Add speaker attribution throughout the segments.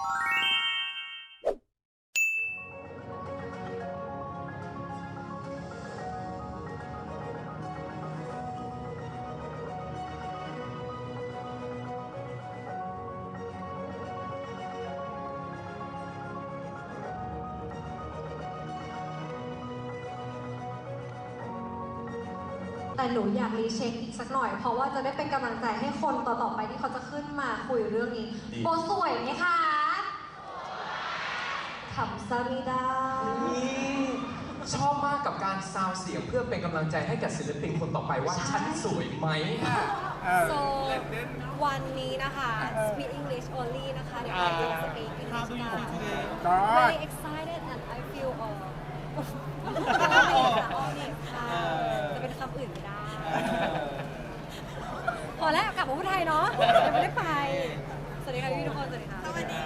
Speaker 1: แต่หนูอยากรีเช็คอีกสักหน่อยเพราะว่าจะได้เป็นกำลังใจให้คนต่อๆไปที่เขาจะขึ้นมาคุยเรื่องนี้โบสวยไหมคะขำซามิดา
Speaker 2: ชอบมากกับการซาวเสียงเพื่อเป็นกำลังใจให้กับศิลปินคนต่อไปว่าฉันสวยไหม
Speaker 3: So วันนี้นะคะ Speak English only นะคะเดี๋ยวเราจะ Speak English กัน Very excited and I feel honored ค่ะจะเป็นคำอื่นไม่ได้พอแล้วกลับมาพูดไทยเนาะยังไม่ได้ไปสวัสดีค่ะพี่ทุกคนสวัสดีค่ะ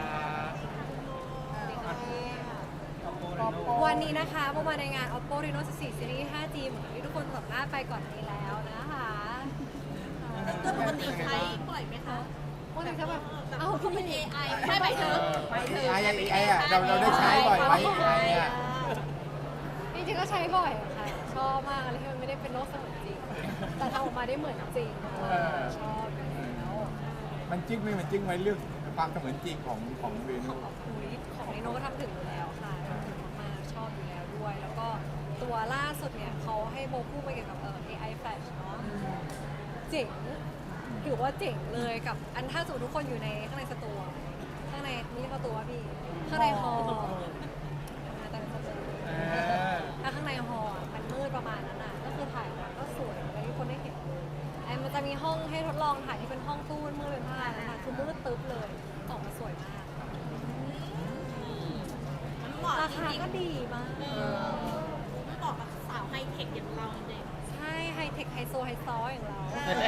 Speaker 3: วันนี้นะคะเมื่อวานในงาน Oppo Reno 14 Series 5G เหมือนที่ทุกคนสัมภาษณ์ไปก่อนนี้แล้วนะคะ
Speaker 4: ปกติใช้บ่อยไหมคะ
Speaker 3: ปกติใช้แบบ
Speaker 4: คุณเป็น AI ใช่ไหมเธอ
Speaker 5: AI อ่ะเราได้ใช้บ่อยไหม AI อ่ะ
Speaker 3: จริงๆก็ใช้บ่อยค่ะชอบมากอะไรที่มันไม่ได้เป็นโลกเสมือนจริงแต่ทำออกมาได้เหมือนจริงชอบแล้ว
Speaker 5: มันจริงไหมมันจริงไหมเรื่องความเสมือนจริงของเรโน่
Speaker 3: ของเรโน่ก็ทำถึงอยู่แล้วค่ะทำถึงมากๆชอบอยู่แล้วด้วยแล้วก็ตัวล่าสุดเนี่ยเขาให้โบพูดไปเกี่ยวกับAI Flash เนาะเจ๋งถือว่าเจ๋งเลยกับอันถ้าสมมติทุกคนอยู่ในข้างในสตูข้างในนี่ประตูว่าพี่ข้างในฮอลถ้าข้างในฮอลมันมืดประมาณนั้นน่ะก็คือถ่ายมาก็สวยแล้วทุกคนได้เห็นมันจะมีห้องให้ทดลองถ่ายที่เป็นห้องตู้มืดเป็นผ้านะคะคือมืดตึ๊บเลยออกมาสวยมากราคาก็ดีมาก
Speaker 4: มันบอกกับสาวไฮเทคอย่างเราเนี่ย
Speaker 3: ใช่ไฮเทคไฮโซไฮซออย่างเรา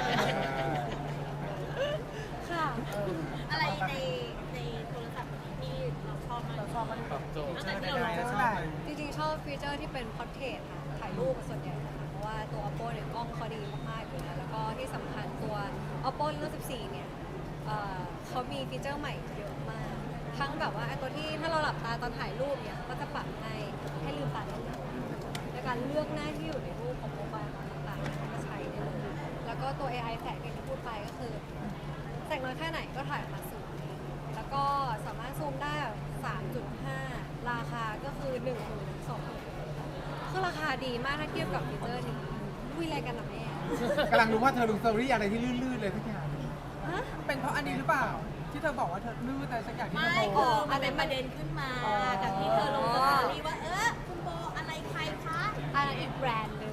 Speaker 3: ค่ะ
Speaker 4: อะไรในโทรศัพท์ที่เราชอบมากตั้งแต่ที่เราลอง
Speaker 3: จริงๆชอบฟีเจอร์ที่เป็นพอร์เทรตค่ะถ่ายรูปส่วนใหญ่นะคะเพราะว่าตัว Oppo เนี่ยกล้องเขาดีมากๆอยู่แล้วก็ที่สำคัญตัว Oppo Reno 14 เนี่ยเขามีฟีเจอร์ใหม่เยอะมากทั้งแบบว่าตัวที่ถ้าเราหลับตาตอนถ่ายรูปเนี่ยก็จะปรับให้ลืมตาได้ในการเลือกหน้าที่อยู่ในรูปของโมบายต่างๆก็ใช้ได้เลยแล้วก็ตัว AI แสงที่พูดไปก็คือแสงน้อยแค่ไหนก็ถ่ายออกมาสวยแล้วก็สามารถซูมได้ 3.5 ราคาก็คือ 12,000คือราคาดีมากถ้าเทียบกับฟีเจอร์นี้คุยอะไรกันนะแม่
Speaker 5: กำลังรู้ว่าเธอลงสตอรี่อะไรที่ลื่นๆเลยทุกอย่าง
Speaker 6: เป็นเพราะอันนี้หรือเปล่าที่เธอบอกว่าเธอลื่นแต่สักอย่างที่เธอ
Speaker 4: บอกคือมันเป็นประเด็นขึ้นมากับที่เธอลงสตอรี่ว่าคุณโบอะไรใครคะ
Speaker 3: อะไรอีกแบรนด์หนึ่ง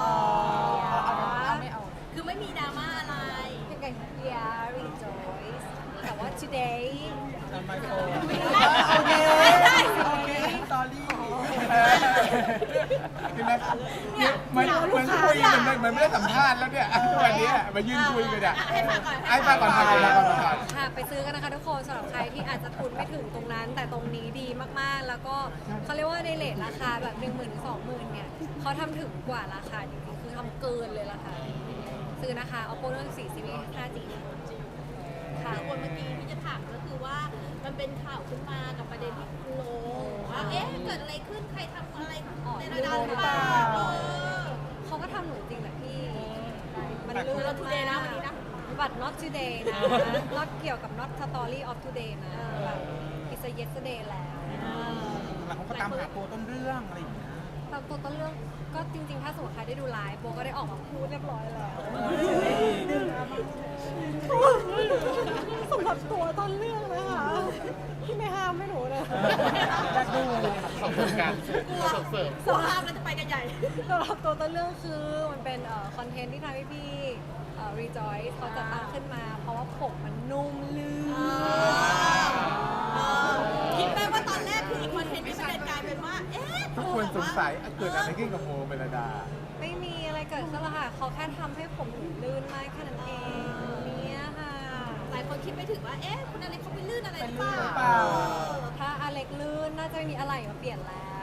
Speaker 4: ไม่เอาคือไม่มีดราม่าอะไร
Speaker 3: เป็นไง rejoice แต่ว่า today
Speaker 6: โอเคสตอรี่
Speaker 5: คือนะเหมือนคุยเหมือนไม่ได้สัมภาษณ์แล้วเนี่ยวันนี้มายืนคุยกันอ่ะ
Speaker 4: ให้ฟังก่อน
Speaker 3: ค่ะไปซื้อกันนะคะทุกคนสำหรับใครที่อาจจะทุนไม่ถึงตรงนั้นแต่ตรงนี้ดีมากๆแล้วก็เขาเรียกว่าในเรทราคาแบบ 10,000-20,000 เนี่ยเขาทำถึงกว่าราคาจริงๆคือทำเกินเลยราคาซื้อนะคะ Oppo Reno 14 Series 5G
Speaker 4: ค่ะคนเมื่อกี้ที่จะถามก็คือว่ามันเป็นข่าวขึ้นมากับประเด็นที่คุณโลว่าเกิดอะไรขึ้นใครทำอะไรในระดับหรือเปล่า
Speaker 3: เขาก็ทำหนูจริงแหละพี่มัน
Speaker 4: ลื่นมากนะวันนี้นะ
Speaker 3: บัตร not today นะ not เกี่ยวกับ not story of today นะแบบ it's a yesterday แล้ว
Speaker 6: แล้วเขาก็ตามหาตัวต้นเรื่องอะไรอย่างเงี้ย
Speaker 3: ตามตัวต้นเรื่องก็จริงๆถ้าสมมติใครได้ดูไลฟ์โบก็ได้ออกมาพูดเรียบร้อยแล้วสำหรับตัวต้นเรื่องนะคะที่ไม่ห้ามไม่หนูเลย
Speaker 6: จะดู
Speaker 2: ขอบคุณกัน
Speaker 4: สห้ามแล้วจะไปกันใหญ่
Speaker 3: สำหรับตัวต้นเรื่องคือมันเป็นคอนเทนต์ที่ทำให้พี่rejoice เขาจะตั้งขึ้นมาเพราะว่าผมมันนุ่มลื่น
Speaker 4: คิดไหมว่าตอนแรกคืออีกคอนเทนต์ที่มันกลายเป็นว่า
Speaker 5: ทุกคนสงสัยเกิดอะไรขึ้นกับโมเมลดา
Speaker 3: ไม่มีอะไรเกิดขึ้นหรอกค่ะเขาแค่ทำให้ผมลื่นมากแค่นั้นเองเนี่ยค่ะ
Speaker 4: หลายคนคิดไม่ถึงว่าคุณอเล็กเขาไปลื่นอะไรหรือเปล่า
Speaker 3: ถ้าอเล็กลื่นน่าจะมีอะไรมาเปลี่ยนแล้ว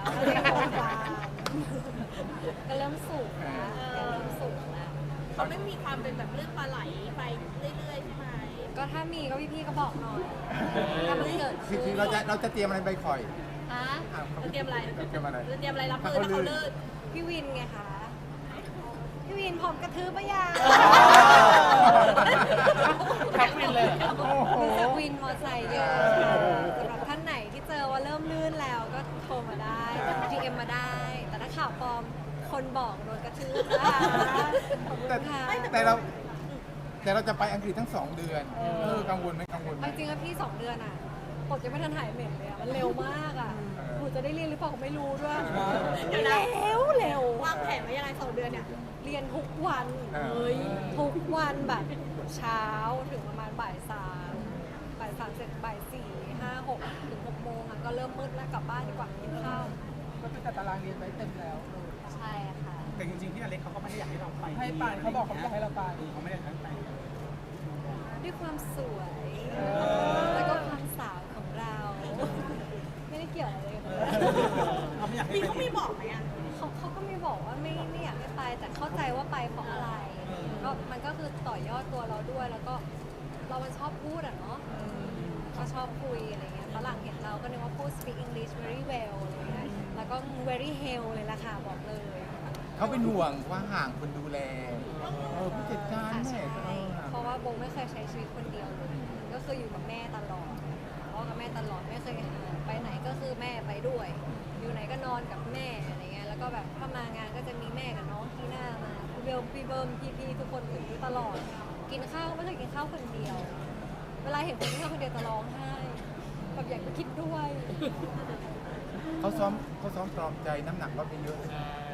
Speaker 3: ก็เริ่มสูงนะเริ่มสูงแล้ว
Speaker 4: เขาไม่มีความเป็นแบบเลื่อนปลาไหลไปเรื่อยๆใช่ไหม
Speaker 3: ก็ถ้ามีก็พี่ๆก็บอกหน่อยถ้ามันเกิด
Speaker 5: คื
Speaker 3: ขึ้
Speaker 5: อน เราจะเตรียมอะไรไปคอย
Speaker 4: ฮะจะเตรียมอะไร
Speaker 5: เตรียมอะไร
Speaker 4: จะเตรียมอะไรรับมือถ้าเขาลื่น
Speaker 3: พี่วินไงคะ พี่วินพร้อมกระทืบปะยัง
Speaker 5: แท็กวินเลยโอ้โห
Speaker 3: รู้จักวินมอไซค์เยอะสำหรับท่านไหนที่เจอว่าเริ่มลื่นแล้วก็โทรมาได้ DM มาได้ แต่ถ้าข่าวปลอมคนบอกโดนกระทืบนะคะขอบคุณ
Speaker 5: แต่
Speaker 3: ค่ะ
Speaker 5: แต่เราจะไปอังกฤษทั้ง 2 เดือนกังวลไหมกังวลไหม
Speaker 3: เอาจริงๆอะพี่ 2 เดือนอะปกยังไม่ทันหายเหม็นเลยอะมันเร็วมากอะหนูจะได้เรียนหรือเปล่าก็ไม่รู้ด้วย
Speaker 4: เดี๋ยวนะ
Speaker 3: เร็ว
Speaker 4: วางแผนไว้ยังไง2 เดือนเนี่ย
Speaker 3: เรียนทุกวัน
Speaker 4: เฮ้ย
Speaker 3: ทุกวันแบบเช้าถึงประมาณบ่ายสามเสร็จบ่ายสี่ห้าหกถึง6 โมงอะก็เริ่มมืดแล้วกลับบ้านดีกว่ากินข้าว
Speaker 6: ก็คือจัดตารางเรียนไว้เต็มแล้ว
Speaker 3: ใช่ค่ะ
Speaker 7: แต่จริงๆพี่อเล็กเขาก็ไม่ได้อยากให้เราไป
Speaker 6: ให้ไปเขาบอกเขาอยากให้เราไป
Speaker 7: เขาไม่ได้อยากให้ไป
Speaker 3: ด้วยความสวย แล้วก็ความสาวของเรา ไม่ได้เกี่ยวอะไรเลย
Speaker 7: เขาไม่อยากให้
Speaker 4: มี
Speaker 7: ไป
Speaker 4: เขามีบอกไหมอ่ะ
Speaker 3: เขาก็ไม่บอกว่าไม่อยากให้ไป แต่เข้าใจว่าไปเพราะอะไรก็มันก็คือต่อยอดตัวเราด้วย แล้วก็เรามันชอบพูดอะเนาะก็ชอบคุยอะไรเงี้ยฝรั่งเห็นเราก็นึกว่าพูด speak English very well อะไรเงี้ยแล้วก็ very hell เลยล่ะค่ะบอกเลย
Speaker 5: เขาเป็นห่วงว่าห่างคนดูแลผู้จัดการ
Speaker 3: ค่ะ
Speaker 5: แม่
Speaker 3: ใช่เพราะว่าโบไม่เคยใช้ชีวิตคนเดียวเลย ก็คืออยู่กับแม่ตลอดพ่อกับแม่ตลอดไม่เคยห่างไปไหนก็คือแม่ไปด้วย อยู่ไหนก็นอนกับแม่อะไรเงี้ย แล้วก็แบบถ้ามางานก็จะมีแม่กับน้องที่หน้ามาพี่เบลพี่เบิ้มพี่ทุกคนอยู่ตลอด กินข้าวก็ไม่เคยกินข้าวคนเดียว เวลาเห็นคนกินข้าวคนเดียวจะร้องไห้แบบอยากไปคิดด้วย
Speaker 5: เขาซ้อมปลอบใจน้ำหนักลดไปเยอะเลย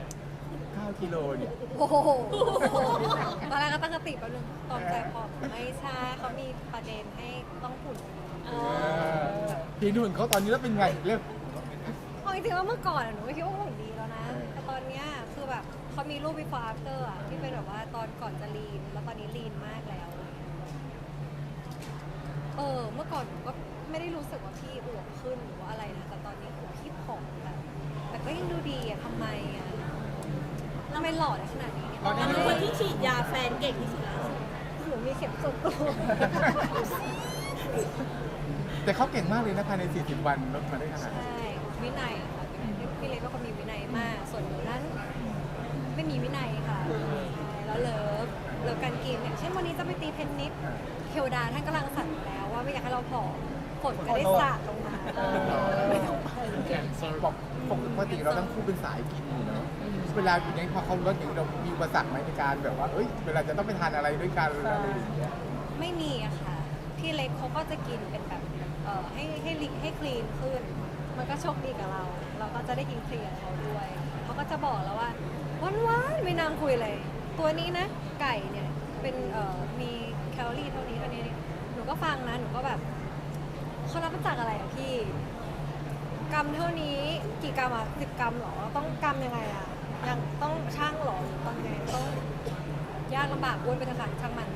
Speaker 5: 9 กิโลเนี่ย
Speaker 3: โอ้โหตอนแรกก็ตั้งสติแป๊บนึงตอนใจพอไม่ใช่เขามีประเด็นให้ต้องหุ่น
Speaker 5: พี่นุ่นเขาตอนนี้แล้วเป็นไงเรื่อง
Speaker 3: เอาจริงๆว่าเมื่อก่อนอะหนูไม่คิดว่าหุ่นดีแล้วนะ แต่ตอนเนี้ยคือแบบเขามีรูป before after อะที่เป็นแบบว่าตอนก่อนจะลีน แล้วตอนนี้ลีนมากแล้ว เมื่อก่อนหนูก็ไม่ได้รู้สึกว่าพี่อวบขึ้นหรือว่าอะไรนะ แต่ตอนนี้คือพี่ผอมแบบแต่ก็ยังดูดีอะทำไมอะทำไมหล่อได้ขนาดนี้เนี่ย
Speaker 4: เราเป็นคนที่ฉีดยาแฟนเก่งที่สุดแล้ว
Speaker 3: หนูมีเข็มส่วนตัว
Speaker 5: แต่เขาเก่งมากเลยนะภายใน40 วันลดมาได้ขนาด
Speaker 3: ใช่ วินัยค่ะพี่เล็กเป็นคนมีวินัยมาก ส่วนหนูนั้นไม่มีวินัยค่ะใช่แล้วเลิฟการกินเนี่ยเช่นวันนี้จะไปตีเพนนิสเทวดาท่านกำลังสั่งแล้วว่าไม่อยากให้เราผอมฝนก็ได้สาดลงมาไม่ต้องไป
Speaker 5: บอกปกติเราทั้งคู่เป็นสายกินอยู่เนาะเวลากินอย่างนี้พอเขาลดอย่างนี้เรามีอุปสรรคไหมในการแบบว่าเวลาจะต้องไปทานอะไรด้วยกันอะไรอย่างเงี้ย
Speaker 3: ไม่มีอะค่ะ พี่เล็กเขาก็จะกินเป็นแบบให้คลีนขึ้น มันก็โชคดีกับเรา เราก็จะได้กินคลีนกับเขาด้วยเขาก็จะบอกแล้วว่าวันๆไม่นางคุยเลย ตัวนี้นะ ไก่เนี่ยเป็นมีแคลอรี่เท่านี้หนูก็ฟังนะหนูก็แบบเขานับมาจากอะไรอะพี่ กรัมเท่านี้กี่กรัมอะ10 กรัมเหรอต้องกรัมยังไงอะยังต้องช่างเหรอหรือตอนไงต้องยากลำบากอ้วนไปทางการช่างมัน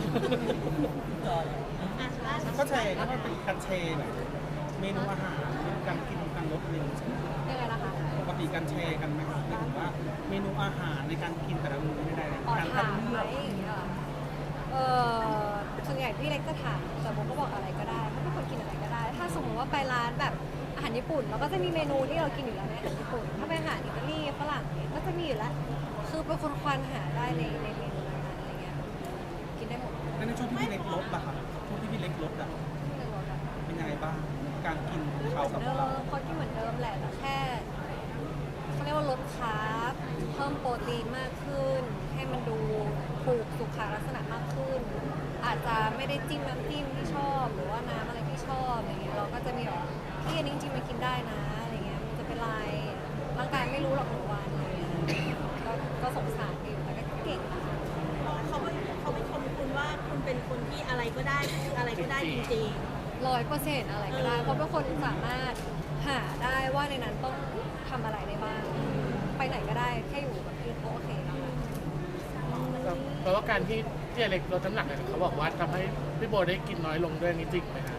Speaker 7: ก็แชร์ก็เป็นการแชร์แบบเมนูอาหารการกินการลดเมนู
Speaker 3: ยังไงนะคะ
Speaker 7: ปกติการแชร์กันไหมครับหมายถึงว่าเมนูอาหารในการกินแต่ละมื้อไม่ได้เลย
Speaker 3: อ๋อ
Speaker 7: การ
Speaker 3: ถาม
Speaker 7: เลื
Speaker 3: ไหม
Speaker 7: อก
Speaker 3: อย่างเงี้ยเหรอส่วนใหญ่พี่เล็กจะถามแต่โมก็บอกอะไรก็ได้ถ้าเป็นคนกินอะไรก็ได้ ถ้าสมมติว่าไปร้านแบบอาหารญี่ปุ่นเราก็จะมีเมนูที่เรากินอยู่แล้วในอาหารญี่ปุ่น ถ้าเป็นอาหารอิตาลีฝรั่งเนี่ยก็จะมีอยู่แล้ว คือเป็นคนควานหาได้ในเมนูนั้นๆอะไรเงี้ย กินได้หมด
Speaker 7: แล้วในช่วงที่พี่เล็กลดอะครับช่วงที่พี่เล็กลดอะ
Speaker 3: ไม่รู้อะ
Speaker 7: เป็นยังไงบ้างการกินของ
Speaker 3: เห
Speaker 7: เขา
Speaker 3: มือน
Speaker 7: กับ
Speaker 3: เดิ
Speaker 7: เรา
Speaker 3: มเขากินเหมือนเดิมแหละแต่แค่เขาเรียกว่าลดคาร์บเพิ่มโปรตีนมากขึ้น ให้มันดูถูกสุขลักษณะมากขึ้น อาจจะไม่ได้จิ้มน้ำจิ้มที่ชอบหรือว่าน้ำอะไรที่ชอบอะไรเงี้ยเราก็จะมีแบบพี่อันนี้จริงๆมันกินได้นะอะไรเงี้ยมันจะเป็นไรร่างกายไม่รู้หรอกหนึ่งวันอะไรเงี้ยก็สงสารอยู่แต่ก็เก่งนะคะ
Speaker 4: เขาไม่ชมคุณว่าคุณเป็นคนที่อะไรก็ได้อะไรก็ได้จริง
Speaker 3: 100%อะไรก็ได้ เพราะเป็นคนสามารถหาได้ว่าในนั้นต้องทำอะไรได้บ้าง ไปไหนก็ได้แค่อยู่กับที่เขาโอเคแล้วค่ะ
Speaker 8: เพราะว่าการที่อเล็กลดน้ำหนักเนี่ยเขาบอกว่าทำให้พี่โบได้กินน้อยลงด้วยนี่จริงไหมคะ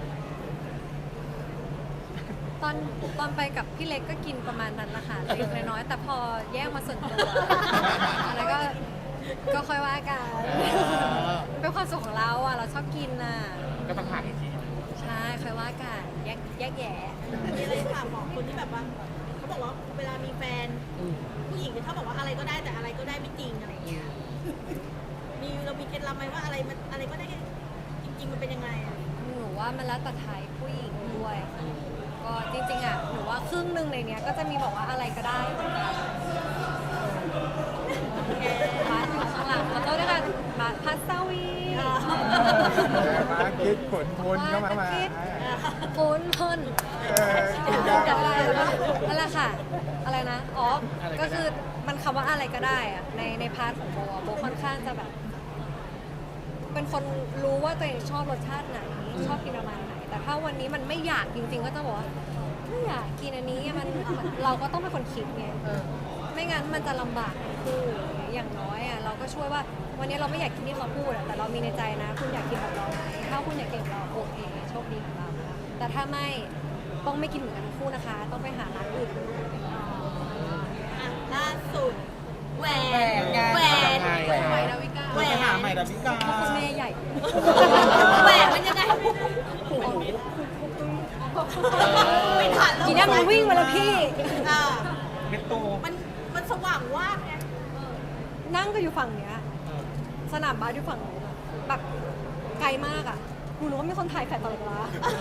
Speaker 3: ตอนไปกับพี่เล็กก็กินประมาณนั้นละค่ะเล็กน้อยๆแต่พอแยกมาส่วนตัวอะไรก็ค่อยว่ากันเป็นความสุขของเราอ่ะเราชอบกินน่ะ
Speaker 8: ก็ต้องหาอีกทีหนึ่ง
Speaker 3: ใช่ค่อยว่ากันแยกแยะ
Speaker 4: มีอะไรถามหมอคนที่แบบว่าเขาบอกว่าเวลามีแฟนผู้หญิงเนี่ยเขาบอกว่าอะไรก็ได้แต่อะไรก็ได้ไม่จริงอะไรเงี้ยเรามีเคล็ดลับไหมว่าอะไรก็ได้จริงๆมันเป็นยังไงอะ
Speaker 3: หนูว่ามันแล้วแต่ไทยผู้หญิงด้วยค่ะก็จริงๆอ่ะหนูว่าครึ่งหนึ่งในเนี้ยก็จะมีบอกว่าอะไรก็ได้เหมือนกันบาสอยู่ข้างหลังแล้วก็ด้วยกันบาสพัสวี
Speaker 5: มาคิดผลพลก็มา
Speaker 3: ฝนพล
Speaker 5: คิด
Speaker 3: นั่นแหละค่ะ อะไรนะอ๋อก็คือมันคำว่าอะไรก็ได้อะในพาร์ทของโบอะโบค่อนข้างจะแบบ เป็นคนรู้ว่าตัวเองชอบรสชาติไหน ชอบกินประมาณไหน แต่ถ้าวันนี้มันไม่อยากจริงๆ ก็จะบอกว่าไม่อยากกินอันนี้มันเราก็ต้องเป็นคนคิดไงไม่งั้นมันจะลำบากทั้งคู่อย่างน้อยอ่ะเราก็ช่วยว่าวันนี้เราไม่อยากกินที่เขาพูดอะแต่เรามีในใจนะ คุณอยากกินแบบเราไหมถ้าคุณอยากกินแบบเราโอเคโชคดีของเรานะคะแต่ถ้าไม่ต้องไม่กินเหมือนกันทั้งคู่นะคะ ต้องไปหาร้านอื่น
Speaker 4: ล่าสุดแหวน
Speaker 6: แหวน
Speaker 4: แหวนดาวิกาแหวน
Speaker 7: หาใหม่ดาวิกา
Speaker 3: เพราะคุณแม่ใหญ่
Speaker 4: แหวนมันยังไงไม่ทันแล้ว
Speaker 3: ทีนี้มันวิ่งมาแล้วพี่
Speaker 4: อ่า
Speaker 7: เป็นโต
Speaker 4: มันสว่างว่าบไง
Speaker 3: นั่งก็อยู่ฝั่งเนี้ย สนามบาสอยู่ฝั่งนู้นอะแบบไกลมากอ่ะหนูรู้ว่ามีคนถ่ายแฟลชตลอดเวลา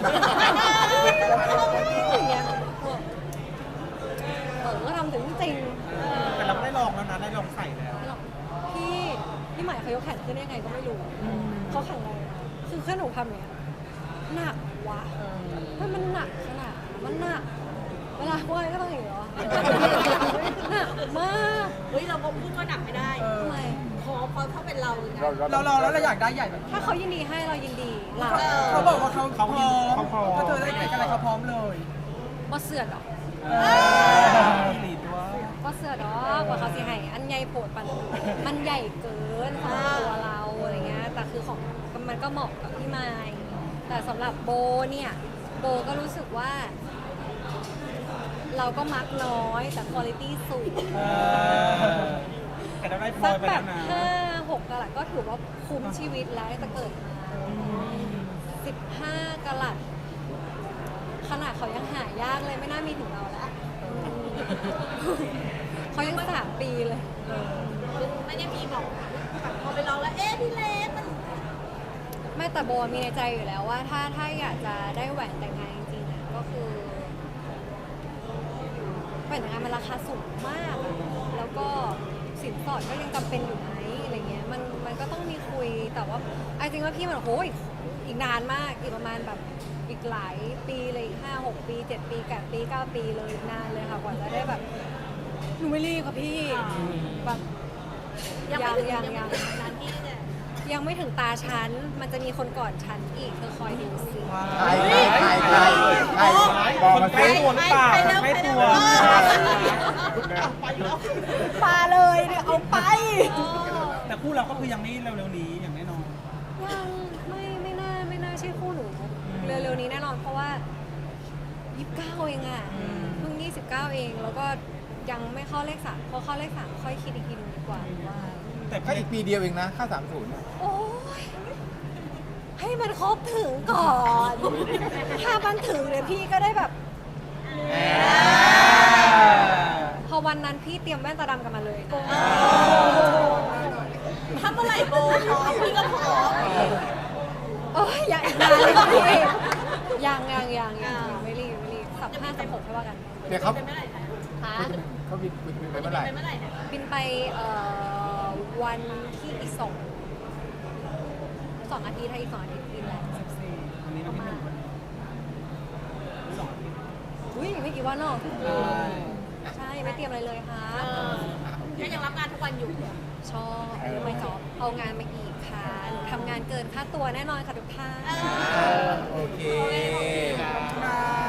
Speaker 3: อย่างเงี้ยก็ทำถึงจริง
Speaker 7: แต่เราได้ลองแล้วนะได้ลองใส่แล้ว
Speaker 3: พี่ใหม่เขายกแขนขึ้นได้ยังไงก็ไม่รู้เขาแข็งแรงคือแค่หนูทำอย่างเนี้ยหนักวะมันหนักขนาดมันหนักเวลาว่ายก็ต้องอย่างนี้เหรอหนักมาก
Speaker 4: เฮ้ยเราก็พูดว่าหนักไม่ได้
Speaker 3: ทำไม
Speaker 4: พอถ้าเป็นเราเลยนะ
Speaker 6: เราลองแล้วเราอยากได้ใหญ่แบบ
Speaker 3: ถ้าเขายินดีให้เรายินดีเรา
Speaker 6: เขาบอกว่าเขาพร้อมถ้าเธอได้เด็กอะไรเขาพร้อมเลย
Speaker 3: บ่เสือดอก
Speaker 7: หลีดว่า
Speaker 3: บ่เสือดอกว่าเขาสิให้อันใหญ่โผดปันมันใหญ่เกินสำหรับตัวเราอะไรเงี้ยแต่คือของมันก็เหมาะกับพี่ไมค์แต่สำหรับโบเนี่ยโบก็รู้สึกว่า เราก็มักน้อยแต่คุณภาพสูง
Speaker 7: แต่เราได้พล
Speaker 3: สั
Speaker 7: อก ยไป
Speaker 3: แบ
Speaker 7: แล้
Speaker 3: บ
Speaker 7: วนะ
Speaker 3: 5-6 กะรัตก็ถือว่าคุ้มชีวิตแล้วตั้งแต่เกิดมา15 กะรัตขนาดเขายังหายากเลยไม่น่ามีถึงเราแล้วเขายัง3 ปีเลย
Speaker 4: ไม่ได้มีบอกแบบพอไปลองแล้วเอ๊ะพี่เล็กมัน
Speaker 3: ไม่แต่โบมีในใจอยู่แล้วว่าถ้าอยากจะได้แหวนแต่งงานจริงๆอ่ะก็คือแหวนแต่งงานมันราคาสูงมากอะแล้วก็สินสอดก็ยังจำเป็นอยู่ไหมอะไรเงี้ยมันก็ต้องมีคุยแต่ว่าไอ้จริงว่าพี่มันโหอีกนานมากอีกประมาณแบบอีกหลายปีเลยอีก5-6 ปี 7 ปี 8 ปี 9 ปีเลยอีกนานเลยค่ะกว่าจะได้แบบหนูไม่รีบค่ะพี่แบบ
Speaker 4: ยังไม่ถึง
Speaker 3: ยัง
Speaker 4: นั้นที่เนี่ย
Speaker 3: ยังไม่ถึงตาฉัน มันจะมีคนก่อนฉันอีกเธอคอยดูสิ
Speaker 5: ใครบอกมา
Speaker 7: ใกล้
Speaker 5: สิ
Speaker 7: ตัวหรือเปล่าใกล้ตัว
Speaker 3: ปาเลยเนี่ยเอาไป
Speaker 7: แต่คู่เราก็คือยังไม่เร็วๆนี้อย่างแน่นอน
Speaker 3: ยังไม่น่าใช่คู่หนู เร็วๆนี้แน่นอนเพราะว่า 29 เองอ่ะเพิ่ง 29 เองแล้วก็ยังไม่เข้าเลข 3พอเข้าเลข 3 ค่อยคิดอีกทีนึงดีกว่าว่า
Speaker 7: แต่
Speaker 5: ก็อีกปีเดียวเองนะค่า30
Speaker 3: โอ้ยให้มันครบถึงก่อน ถ้ามันถึงเนี่ยพี่ก็ได้แบบ พอวันนั้นพี่เตรียมแว่นตาดำกันมาเลยนะ
Speaker 4: ถ้าเมื่อไหร่โบพร้อมพี่ก็พร้อม
Speaker 3: โอ้ยยังอีกนานเลยค่ะพี่ยังไม่รีบ35-36ให้ว่ากัน
Speaker 5: เดี๋ยวเขา
Speaker 4: เป็นเมื่อไหร่คะ
Speaker 3: ค่ะ
Speaker 5: เขาบินไปเมื่อไหร่
Speaker 4: เป็นเมื่อไหร่คะ
Speaker 3: บินไปวันที่อีก2 อาทิตย์ถ้าอีก2 อาทิตย์บินแล้ว
Speaker 7: วันนี้เราที่หนึ่ง2 อาทิตย์
Speaker 3: อุ้ยไม่กี่วันหรอกใช่ยังไม่เตรียมอะไรเลยค่ะ
Speaker 4: ก็ยังรับงานทุกวันอยู่
Speaker 3: ชอบไม่จอบเอางานมาอีกค่ะหนูทำงานเกินค่าตัวแน่นอนค่ะทุกท่าน
Speaker 5: โอเค
Speaker 6: ค่ะ